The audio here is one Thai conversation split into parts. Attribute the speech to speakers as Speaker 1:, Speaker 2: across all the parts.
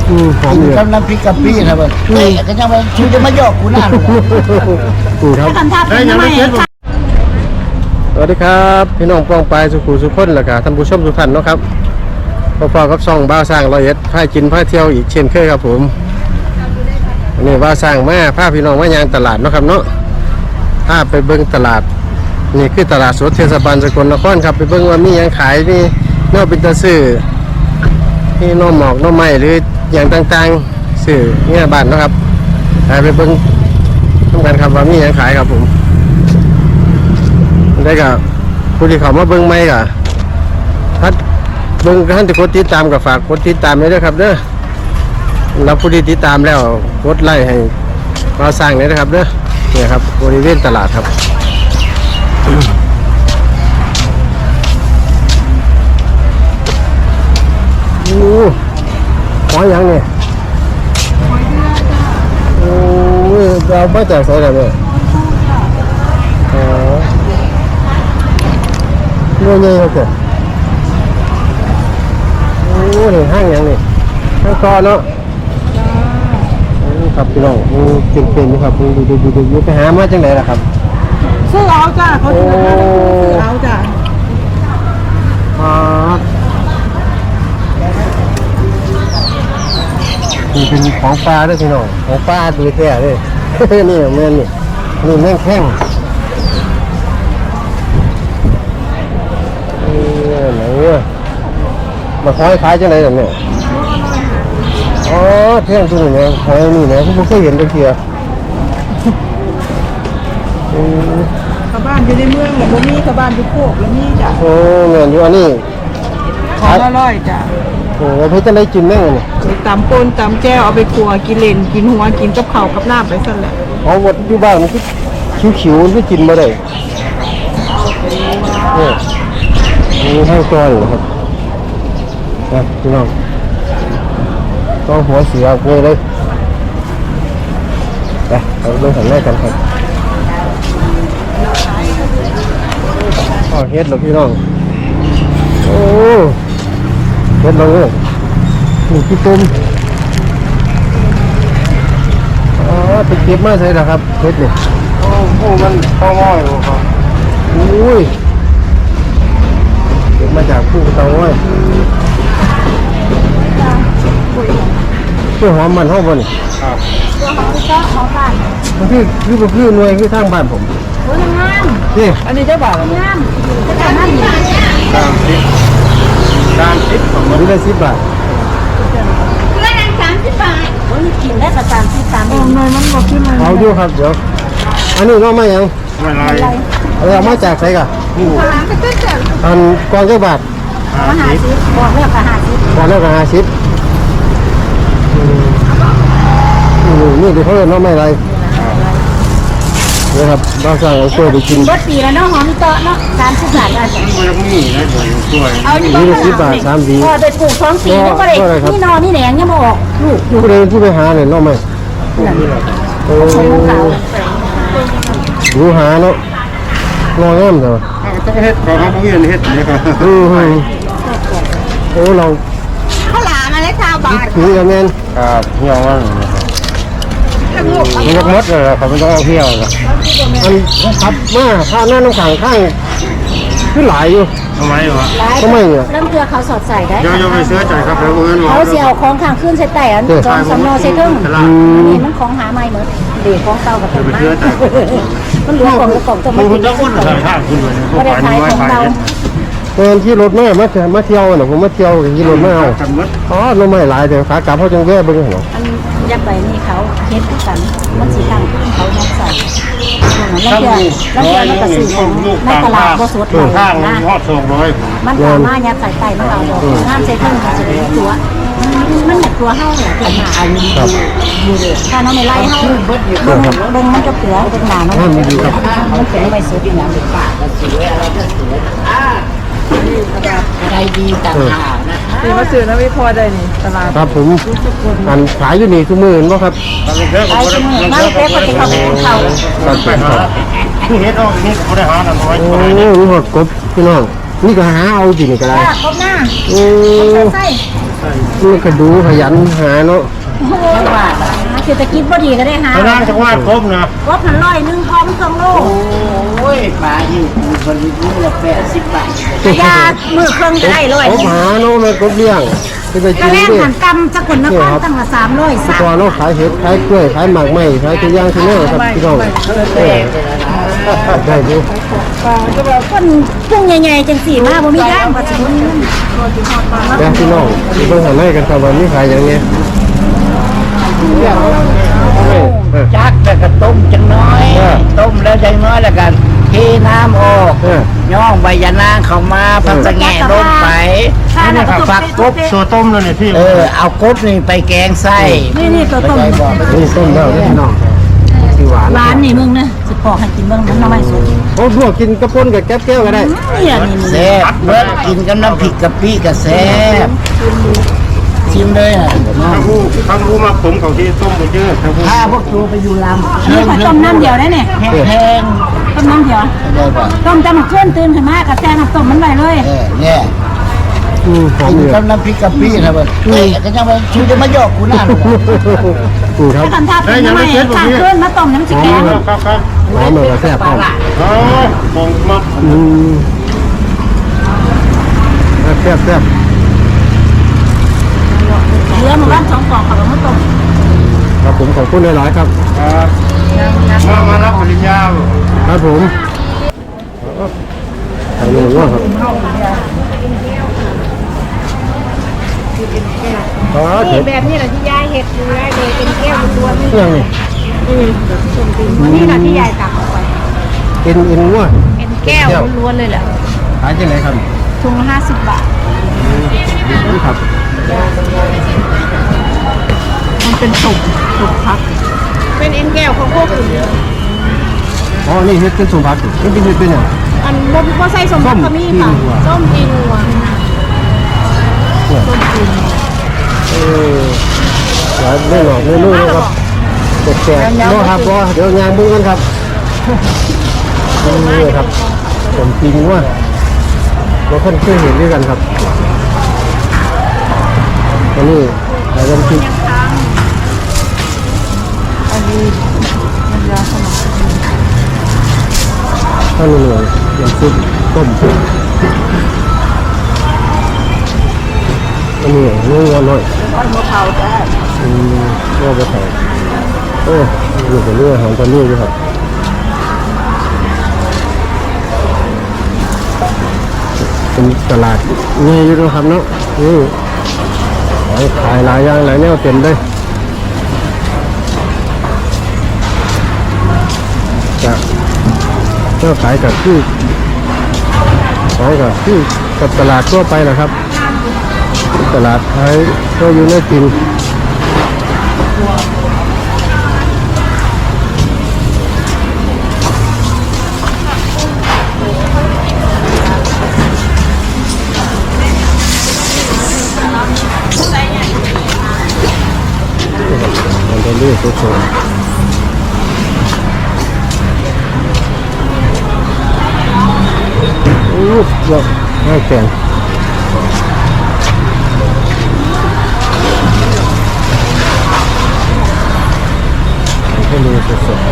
Speaker 1: หอมเลย
Speaker 2: กำลังพริกกับพี่นะเว้ยก็ยังว่าชูจะมาหยอกกูหน้าเลย
Speaker 1: ครับ
Speaker 3: ทำท่าเป็นทำไม
Speaker 1: สวัสดีครับพี่น้องป้องปลายสุขุสุขคนแล้วก็ท่านผู้ชมทุกท่านเนาะครับพอๆกับซ่องบ้าสร้าง101พากินพาเที่ยวอีกเช่นเคยครับผมนี่บ้าสร้างมาพาพี่น้องมายางตลาดเนาะครับเนาะพาไปเบิ้งตลาดนี่คือตลาดสดเทศบาลสกลนครครับไปเบิ้งว่ามียังขายนี่นอกเป็นตะซื้อนี่น้องหมอกน้องไม้หรืออย่างต่างๆซื้อเนี่ยบ้านเนาะครับไปเบิ้งต้องการครับว่ามียังขายครับผมได้กับผู้ที่เขามาเบิ้งไม่กับถ้าเบิ้งท่านที่กดติดตามกับฝากกดติดตามด้วยครับเด้อแล้วผู้ที่ติดตามแล้วกดไลค์ให้มาสร้างเลยนะครับเด้อเนี่ยครับบริเวณตลาดครับโอ้หอยยังเนี่ยโอ้เราไม่จากใส่แล้วเนี่ยอ๋อเงี้ยเงี้ยครับโอ้นี่ห้างยังนี่ห้างคอเนาะครับพี่น้องเป็นอยู่ครับดูไปหามาจังไหนล่ะครับ
Speaker 3: ซื้อเอาจ้าเขาซื้อเอาจ้า
Speaker 1: นี่เป็นของปลาด้วยพี่น้องของปลาตัวแท้เลยนี่แม่นี่แม่งแข้งไหนมาคอยขายจังไหนแบบนี้อ๋อเที่ยงตรงนี้คอยนี่นะผมเคยเห็นตะเกียบ
Speaker 3: ชาวบ้านอยู่ในเมืองแบบนี้ชาวบ้านอยู่โคกแล้วนี่จ้ะ
Speaker 1: โอ้เงินอยู่อันนี้
Speaker 3: ของอร่อยจ้ะ
Speaker 1: โอ้เพื่อจะได้กินแม่งเนี่ย
Speaker 3: ตำปนตำแก้วเอาไปครัวกินเล่นกินหัวกินกับข้าวกับน้ำไปสั่นแหละ
Speaker 1: อ๋อวัดอยู่บ้านมันคือขิวๆมันก็กินมาได้เนี่ยมีให้ก้อนครับนะพี่น้องต้องหัวเสียกล้วยเลยไปเราเริ่มสั่งแรกกันครับเฮ็ดเหรอพี่น้องโอ้เฮ็ดเราเลยนี่ขี้ตุ้มอ๋อไปเก็บมาใช่หรอครับเฮ็ดเนี่ยโอ้มันข้าวง่อยครับอุ้ยเก็บมาจากผู้เตาง่อยเพื่อหอมมันห้องบนนี่ครับ
Speaker 3: ตัวหอมก็หอมบ้าน
Speaker 1: มันคือหน่วยคือทางบ้านผม
Speaker 3: โอ้ยงาม
Speaker 1: นี่
Speaker 3: อันนี้เจ้าบ่าวงามจะทำนั่นนี่
Speaker 1: 30ของมันได้10 บาท
Speaker 3: เพื่อน30 บาทโอ้ยกินได้กับ30 3เองเลยมันบอกที่มัน
Speaker 1: เอาอยู่ครับเดี๋ยวอันนี้น้องมายังเอามาจากไหนกันอันกองเจ้าบาท
Speaker 3: 50บอกแล้วก็50
Speaker 1: บอกแล้วก็50นี่เดี๋ยวเขาจะน้องไม่ไรนี่ครับเราสั่งเอาตัวไปกิน
Speaker 3: รสปีแล้วเนาะหอมเตาะเนาะ30 บาทอ่ะเอา
Speaker 1: นี่10 บาท3 วี
Speaker 3: ไปปลูก2 ปีแล้วก็เลยนี่นอนนี่แหนงยังมาออกลูก
Speaker 1: อยู่เลยผู้ไปหาเนี่ยน้องไม่โอ้ดูหาเนาะงองามเถอะ
Speaker 2: ต้องเฮ็ดของเขาเฮ็ดนี่ครับ
Speaker 1: โอ้เรา
Speaker 3: ข้าวหลามอะไรชาวบ้าน
Speaker 1: ถือกันแน่น
Speaker 2: ครับเที่ยวว่า
Speaker 1: มันมดเลยครับมันต้องเอาเที่ยวนะมันขับมาข้างหน้าน้ำขังข้างขึ้นหลายอยู่
Speaker 2: ทำไมวะ
Speaker 1: ทำไมเนี่ย
Speaker 3: เริ่มเกลือเขาสอดใส่ได้
Speaker 2: เดี๋ยวไปซื้อใจครับแล้ว
Speaker 3: เขาเสียเอาของข้างขึ้นใส่แต่อันจองสำนอใส่เครื่องนี่มันของหาใหม่เหมือนเด็กของเก่ากับของใหม่มันเหลือของกับของจะไม่
Speaker 2: คุณจะคุณขายข้างคุณเลย
Speaker 3: ไม่ได้ขายของเรา
Speaker 1: ตอนที่รถมาเที่ยวน่ะผมมาเที่ยวที่รถมาเอาอ๋อรถไม่หลายเดี๋ยวขากลับเขาจังแย่บึ้งเหรอ
Speaker 3: อันยับไปนี่เขาเฮ็ดกันมันสีทางเขายัดใส่แล้วเดี๋ยวมันก็สื่อของในตลาดบ่สดเลยนะมันสามารถยัดใส่ไตมันเอาน้ำใส่เครื่องมันจะเป็นตัวมันแบบตัวเห่าเนี่ยตัวหนาอันนี้ถ้าน้องไม่ไล่เห่าเบิ้งมันจะเปลือกเป็นหนาน้องมันเป็นไม่สดอย่างเด็กป่าก็สวยอะไรก็สวยอะไรดีต่างหากนะคะนี่มาซื้อนะพี่พอได้นี่ตลาด
Speaker 1: ครับผมอันขายอยู่นี่ทุกมื้อเห็นบ่ครับ
Speaker 3: ขายทุกมื้อนั่งเป๊ะปฏิเขาเป็นเขา
Speaker 1: ครับ
Speaker 2: ที่เฮ็ดเอานี่ก็ได้หาน้อย
Speaker 1: โอ้นี่หดกบพี่น้องนี่ก็หาเอาจริงก็ได้
Speaker 3: จ้าครบหน้า
Speaker 1: โอ้
Speaker 3: ใส่
Speaker 1: นี่ก็ดูขยันหาเนาะ
Speaker 3: โอ้โหเศรษฐกิจพอดีก็ได้หา
Speaker 4: พนักจังหวัดครบนะ
Speaker 3: ครบหันร้อยหนึ่งพร้อมเครื่องโล
Speaker 2: โอ้ยปลาหิวคนนี้ละ80 บาท
Speaker 3: ยามือเครื่องจะได้ร้อย
Speaker 1: ครบหาเนาะมันครบเลี้ยงไปไป
Speaker 3: กระ
Speaker 1: กิน
Speaker 3: แลง
Speaker 1: ดิ
Speaker 3: หันกำสกลนครตั้งละ300
Speaker 1: ก่อนเนาะขายเห็ดขายกล้วยขายหมากไม้ขายทุกอย่างที่นี่ครับพี่น้องได้ดู
Speaker 3: คนพุ่งใหญ่ๆจังสี่มาบ่มีทางว่าสิบ่มีเงิน
Speaker 1: แล้วพี่น้องที่เพิ่งทำให้กันครับวันนี้ขายอย่างนี้
Speaker 2: จักแล้วก็ต้มจังน้อย ต้มแล้วจังน้อยแล้วกันเทน้ำออกย่องใบยะนางเข้ามาพักสะแงะลงไป
Speaker 3: นี่ครับ
Speaker 2: ฝักกบ
Speaker 4: ตัวต้มแล้วเนี่ยพี่
Speaker 2: เอากบนี่ไปแกงไส้
Speaker 3: นี่ตัวต้ม
Speaker 1: นี่ส้มแล้วพี่น้องสีหวาน
Speaker 3: ร้านนี่มึงนะสิปอกให้กินเบิ่งมันน้ำมันสด
Speaker 1: โอ้พวกกินกระปุนกับแก้วแก้วก็ได้
Speaker 3: เนี่ยนี่
Speaker 2: แซ่บเบิดกินกับน้ำพริกกะปิก็แซ่บชิมเลยอ่ะ
Speaker 4: ทั้งรู้มาผมเขาที่ต้มไปเยอะทั้งผู้
Speaker 2: ถ้าพวกตัวไปอยู่ลำ
Speaker 3: นี่ขอต้มน้ำเดียวได้เนี่ย
Speaker 2: แพง
Speaker 3: ต้มน้ำเดียว
Speaker 2: ได้ป่ะ
Speaker 3: ต้มจะมาเคลื่อนตื่นขึ้นมากระแจน้ำต้มมันไว้เลย
Speaker 2: เนี่ย
Speaker 1: หอม
Speaker 2: กิน
Speaker 1: อยู่
Speaker 2: กับน้ำพริกกะปินะเบิดก็ยังไปชูจะมาหยอกกูหน้า
Speaker 1: ครับ
Speaker 3: ถ้ากันทับเป็นน้ำมันสั่งเคลื่อนมาต้มน้ำจิแกง
Speaker 4: ครับ
Speaker 1: หอมเหมือนกับแซ่บพร้อม
Speaker 4: อ๋อมองมา
Speaker 1: แซ่บแซ่บ
Speaker 3: เหลือมาบ้าน2 กล่องเขาเอามาต้ม
Speaker 1: ครับผมขอบคุณหลายๆครับ
Speaker 4: มารับปริญญา
Speaker 1: ครับผมทางนี้ว่าครับอ๋อเห็ด
Speaker 3: แบบนี้แหละที่ยายเห็ดดูได้เลยเป็นแก้วล้วน
Speaker 1: ยังนี่
Speaker 3: นี่แหละที่ยายตักออกไป
Speaker 1: กินอินว่า
Speaker 3: เป็นแก้วล้วนเลยแหละ
Speaker 1: ขายที่ไหนครับ
Speaker 3: ถุงละ50 บาท
Speaker 1: นี่ครับ
Speaker 3: มันเป็นตุ่มพักเป็นเอ็นแก้วของพวกอื่น
Speaker 1: อ๋อนี่เห็ดเป็นสมบัตินี่เป็นเห็ดเป็นอย่าง
Speaker 3: อันบ่ใส่สมบัติก็มีค่ะส้มจีนัว
Speaker 1: หลายไม่หลอกไม่รู้นะครับแจกๆเนาะครับว่าเดี๋ยวงานบุ้งกันครับนี่ครับผมจริงว่าเราค่อนข้างเห็นด้วยกันครับอันนี้ใส่น้ำพริก
Speaker 3: อันนี้มันยาสมอง
Speaker 1: ข้าวเหนียวน้ำซุปต้มอันนี้เนื้อหน่อย
Speaker 3: ก้อนมะพร้าวได้
Speaker 1: เนื้อไปใส่โอ้อยู่กับเนื้อหอมตะเนื้อด้วยครับเป็นตลาดนี่อยู่ด้วยครับเนาะนี่ขายหลายอย่างหลายแนวเต็มเลยจะเจ้าขายกับที่ของกับที่กับตลาดทั่วไปนะครับ ตลาดไทยก็อยู่ในกินมันจะเลือกตัวโชว์เยอะให้แข็งให้ดูสด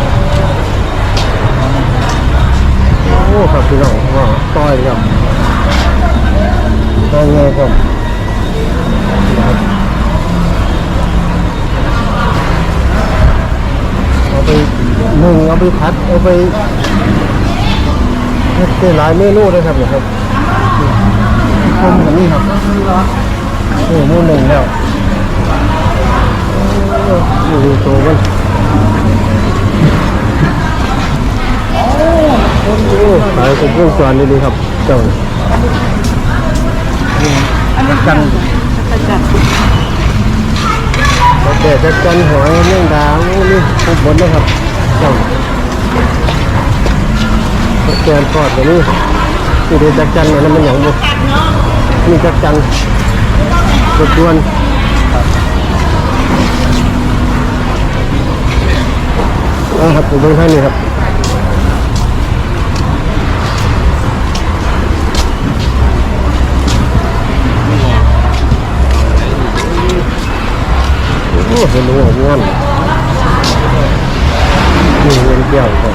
Speaker 1: ๆโอ้ครับพี่น้องว่าต้อยครับต้อยเงยครับเอาไปนึ่งเอาไปพัดเอาไปเฮ็ดได้หลายเมนูเลยครับเนี่ยครับต้มแบบนี้ครับโอ้โหหนึ่งแล้วดูโตมันขายเป็นวงจรดีๆครับเจ้ากันแต่จะกันหอยเรื่องดาวนี่ทุกบนนะครับเจ้าแกนทอดแบบนี้ที่เดือจักจันเนี่ยมันอย่างบุนี่จักจันรบกวนครับผมเบิ่งให้นี่ครับเห็นรู้ว่าง่วนนี่เงินเกี่ยวครับ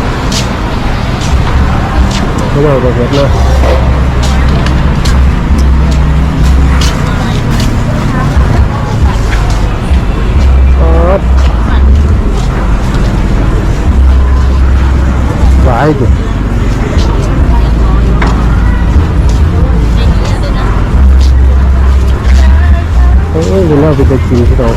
Speaker 1: ไม่เอาไปเห็ดนะหลายจุดเอ้ยเราไปกินที่เรา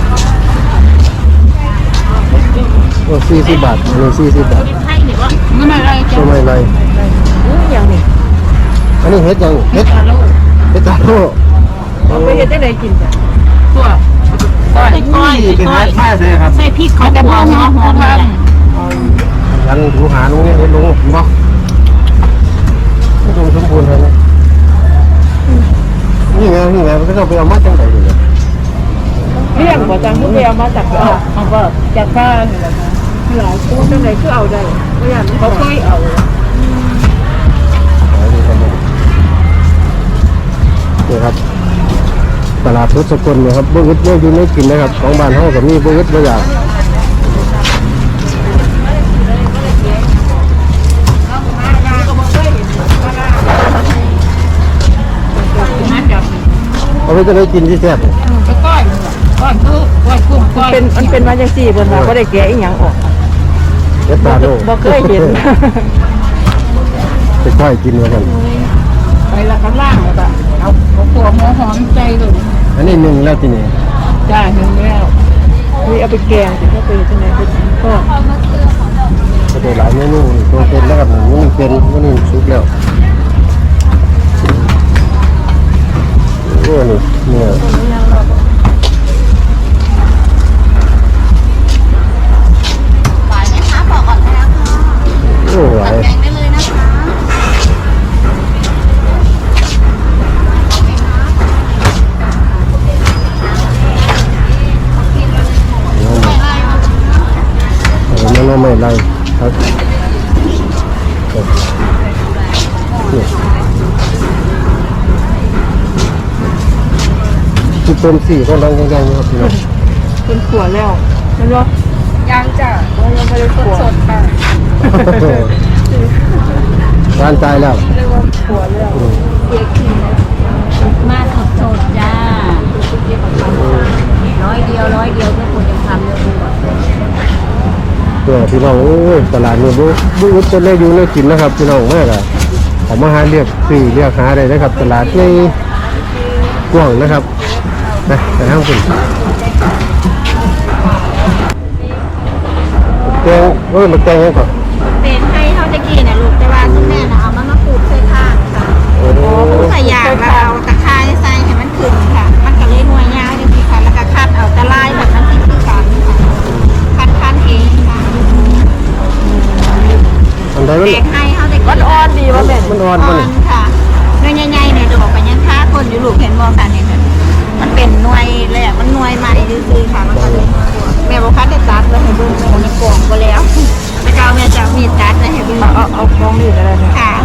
Speaker 1: โอ้40 บาทอันนี้40 บาท
Speaker 3: ไม่ไม่ไร
Speaker 1: ทำไมไร
Speaker 3: อย่างนี้
Speaker 1: อันนี้เฮ็ดยังเฮ็ดตาโล
Speaker 3: ไปเฮ็ดได้เลยกินจ้ะตัวก้อย
Speaker 2: เป็นร้านผ้าเลยครับ
Speaker 3: ใส่พริกเขาแต่พอหอมๆเลย
Speaker 1: ยันหูหาลุงเนี่ยเฮ็ดลุงบ่ไม่ต้องสมบูรณ์เลยนะนี่ไงมันก็ต้องไปเอามาจังได๋เลย
Speaker 3: เลี้ยงบ่จังทุกเอามาจากเขาก็จากบ้านนี่แหละค่ะหลายตู้จังได๋คือเอาได้บ่อย่างเขาเคยเอา
Speaker 1: นี่ครับตลาดพุทธสกลเนี่ยครับบ่อึดบ่อยู่ไม่กินนะครับของบ้านเฮาก็มีบ่อึดบ่อยากเอาไปจะได้กินที่แซ่บ
Speaker 3: ก้อยคือก้อยกุ้งก้อยมันเป็นมาจังซี่เพิ่นว่าบ่ได้แกะอีหยังออก
Speaker 1: เฮ็ดตาโล
Speaker 3: บ่เคยเห็น
Speaker 1: ไปก้อยกินเหมือนกัน
Speaker 3: ไปละข้างล่างแล้วก็เอาตัวหัวหอมใจเลย
Speaker 1: อันนี้หนึ่งแล้วทีนี้
Speaker 3: จ้าหนึ่งแล้วนี่เอาไปแกงสิเขาไปที่ไหนก็
Speaker 1: ก็ได้หลายเมนูตัวเป็นแล้วครับหมูนี่เป็นหมูนี่สุกแล้วโอ้นี่เนี่ย
Speaker 5: หวานไหมคะบอกก่อนได้แล้วค่ะ
Speaker 1: โอ้หลาย
Speaker 5: แกงได้เลยนะคะ
Speaker 1: ไม่ไรครับคือต้มสี่ก็ดังยังๆครับพี่น้อง
Speaker 3: เป็นขวดแล้วมันว่า
Speaker 5: ยังจ้ะ
Speaker 3: ยังไม่ได้ขวด
Speaker 5: สดค่ะ
Speaker 1: ร้านใจแล้ว
Speaker 3: เรียกว่าขวดแล้ว
Speaker 5: มาสดสดจ้าร้อยเดียวทุกคนยังทำเลยคุณ
Speaker 1: พี่น้องโอ้ยตลาดนี้บุ้จะได้อยู่ได้กินนะครับพี่น้องมากอะผมมาหาเรียกซื้อเรียกหาได้นะครับ ตลาดในกว้างนะครับไปห้างคุณแกงมาแกงยังก่อน
Speaker 5: เป็นให้เท่าตะกี้เนี่ยลูกแต่ว่าคุณแม่น่ะเอามะกรูดใส่ข้างค่ะ
Speaker 1: โอ้
Speaker 5: ใส่ยางแล้วเอาตะไคร้ใส่ให้มันขึ้นค่ะ มันก็เลยหน่วยยาวจังซี่ค่ะแล้วก็คัดเอาตะไลแบบนั้นที่คือกันค่ะคัดเองค่ะ
Speaker 1: อันใดมัน
Speaker 5: แกงให้เท่าตะกี้
Speaker 3: มันอ่อนดีว่าแม่
Speaker 1: มันอ่อน
Speaker 5: อ่
Speaker 1: มั
Speaker 5: อน นค่ะหน่วยใหญ่ๆเนี่ยดอกไปยังค่าคนอยู่ลูกเห็นบ่ค่ะเนี่ยมันเป็นหน่วยเลยอะมันหน่วยใหม่ซื่อๆค่ะมันก็เลยแม่บอกคัดได้ตัดแล้วให้เบิ่งแม่ก็กล่องก็แล้วแล้วก็เอาแม่จะเอามีดตัดแล้วให้เบิ่ง
Speaker 3: เอาฟองนี่อะไรเนี่ย
Speaker 5: ค่ะ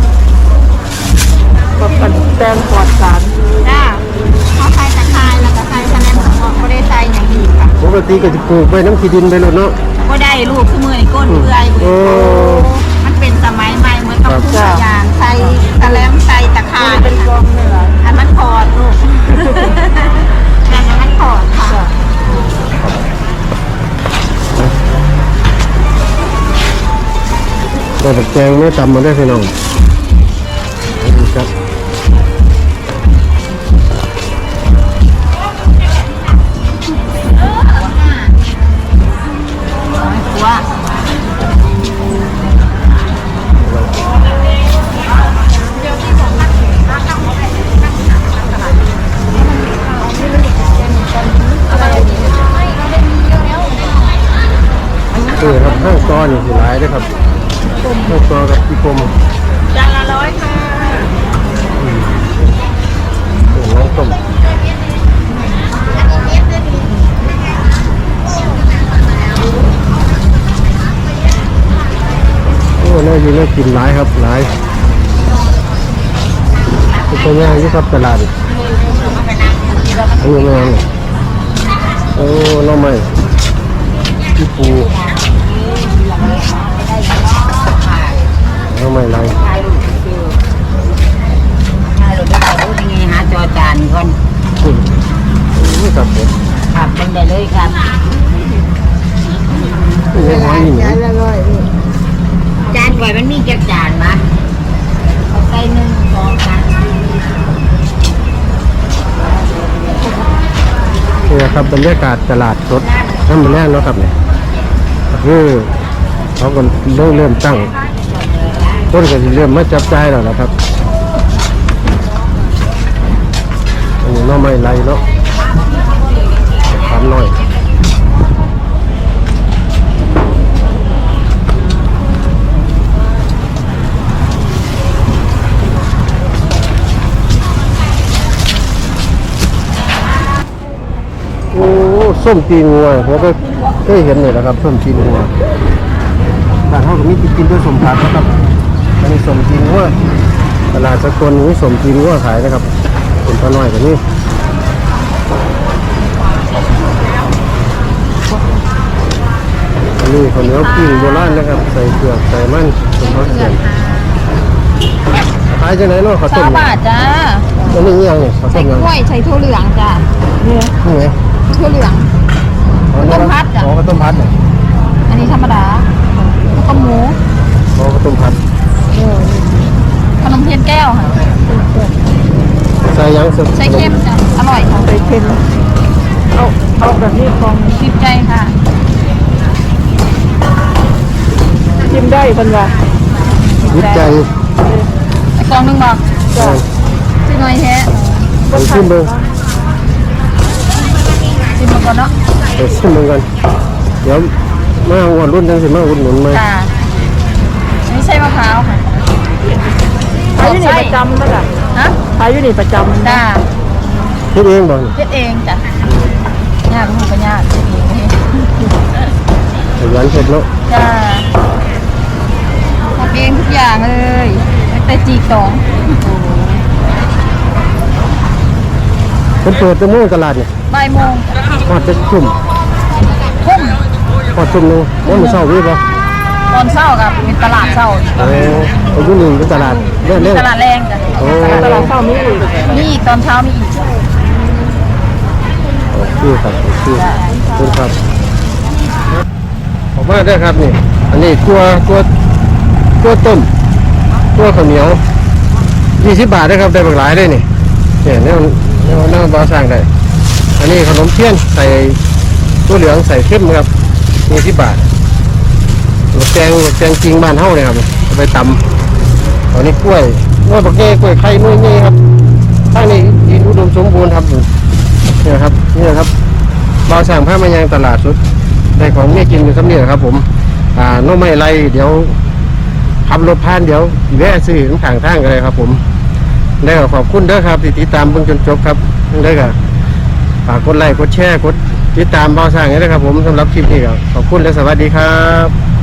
Speaker 3: กับกันแตงปลอดสาร
Speaker 5: จ้าเขาใส่ตะไคร้แล้วก็ใส่คะแนนสมองก็ได้ใส่อย่างดีค่ะ
Speaker 1: ปกติก็จะปลูกไปน้ำขี้ดินไปเลยเนาะ
Speaker 5: ก็ได้ลูกคือมือในก้นเปื่อย
Speaker 1: โอ้
Speaker 5: มันเป็นสมัยใหม่เหมือนกับทุกอย่างใส่ตะแลมใส่ตะไคร้
Speaker 3: เป็นกองนี่แหละ
Speaker 5: อันมันพอดลูกแต่อันมันพอดค่ะ
Speaker 1: แต่แกงไม่ตำมาได้พี่น้องครับ
Speaker 5: ว่า
Speaker 1: ครับห้างซอนี่สิหลายเด้อครับห้างซอกับพี่กรม
Speaker 5: จานละ100ค่ะ
Speaker 1: น้องต้มโอ้น่าอยู่น่ากินหลายครับหลายเป็นตัวอย่างที่ครับตลาดอันนี้ไม่เอาเลยโอ้น้องใหม่พี่ปูน้องใหม่ไร
Speaker 2: ถ่ายรูปได้รู้ยังไงหาจอจานก่อน
Speaker 1: นี่ครับผม
Speaker 2: ครับเป็นได้เลยครับ
Speaker 1: นี่หอยหิน
Speaker 2: จานก่อยมันมีจักจานมะเอาใส่1 2 3
Speaker 1: นี่ครับบรรยากาศตลาดสดน้ำมันแรกเนาะครับเนี่ยคือเขาก็เริ่มตั้งต้นก็จะเริ่มมาจับจ่ายแล้วนะครับอันนี้น้องไม่ไรเนาะทำหน่อยโอ้ส้มตีนงัวผมก็เคยเห็นเลยนะครับส้มตีนงัวบ้านเขาก็มีกินด้วยสมผักนะครับอันนี้ส้มตีนงัวตลาดสกลมีส้มตีนงัวขายนะครับเป็นปลาน้อยแบบนี้อันนี้ข้าวเหนียวปิ้งโบราณนะครับใส่เกลือใส่มันเป็นข้าวเสียนขายจังไหนเนาะข้าวต้ม
Speaker 5: บาทจ้า
Speaker 1: อันนี้ยังเนี่ยข้าวต้
Speaker 5: ใส่
Speaker 1: มยัง
Speaker 5: กล้วยใส่ถั่วเหลืองจ้า
Speaker 1: นี่ไง
Speaker 5: ถั่วเหลือง ต้มผัดอะ
Speaker 1: อ๋อข้าวต้มพัดเนี่ย
Speaker 5: อันนี้ธรรมดาแล้วก็หมู
Speaker 1: อ๋อข้าวต้มพัด
Speaker 5: ขนมเทียนแก้วค่ะ
Speaker 1: ใส่ยังสุด
Speaker 5: ใส่เค็มจ้ะอร่อยค่ะใส่เค็มเอาแบบนี้ฟองชิมใจค่ะ
Speaker 3: ชิมได้เพิ่นว่า
Speaker 1: วิจัย
Speaker 5: ไอ้กล่องหนึงบอกสิหน่อยแท้
Speaker 1: ไปชิมเบิ้ง
Speaker 5: ชิมมาก่อนเนาะ
Speaker 1: ไปชิมเบิ้งกันเดี๋ยวมาวันรุ่นจังสิมาอุดหนุนมา
Speaker 5: จ้าไม่ใช่มะพร้าวค่ะ
Speaker 3: ขายอยู่นี่ประจำนั่นแหละ
Speaker 5: ฮะ
Speaker 3: ขายอยู่นี่ประจำ
Speaker 5: จ้า
Speaker 1: เฮ็ดเองบ่นี่
Speaker 5: เฮ็ดเองจ้ะยากมันก็ยากเฮ็ดเอง
Speaker 1: ขยันเฮ็ดเนาะ
Speaker 5: จ้าทำเองทุกอย่างเลยตั้งแต่จีกอง
Speaker 1: เพิ่นเปิดแตั้งโมงตลาดเนี่ย
Speaker 5: บ่ายโมง
Speaker 1: ฮอดจะทุ่ม
Speaker 5: ทุ่ม
Speaker 1: ฮอดทุ่มหนึงบ่มื้อเช้าวีบ่
Speaker 5: ตอนเช้ากับเป็นตลาดเช้า
Speaker 1: โอ้อายุนี่เป็นตลาดเล่น
Speaker 5: ตลาดแรงจ้ะ
Speaker 1: โอ้
Speaker 3: ตลาดเช้ามีอีก
Speaker 5: มีอีกตอนเช้ามีอีก
Speaker 1: โอเคครับโอเคขอบคุณครับออกมาได้อครับนี่ อันนี้ตัวต้มตัวข้าวเหนียว20 บาทนะครับได้บักหลายเลยนี่เนี่ยเนี่ยบ่สร้างได้ อันนี้ขนมเทียนใส่ตัวเหลืองใส่เข้มครับ20 บาทลูกแกงจริงบ้านเฮาเนี่ยครับเอาไปตำอันนี้กล้วยบักแก่กล้วยไข่นุ่ยๆครับข้างนี้ดินอุดมสมบูรณ์ครับเนี่ยครับบ่าวสร้างผ้ามายางตลาดสุดได้ของเนี่ยกินอยู่สำเนียครับผมน้องไม่ไรเดี๋ยวขับรถผ่านเดี๋ยวแวะซื้อข้างทางกันเลยครับผมได้ก็ขอบคุณเด้อครับที่ติดตามเบิ่งจนจบครับได้ก็ฝากกดไลค์กดแชร์กดติดตามบ่าวสร้างให้ด้วยครับผมสำหรับคลิปนี้ก็ขอบคุณและสวัสดีครับ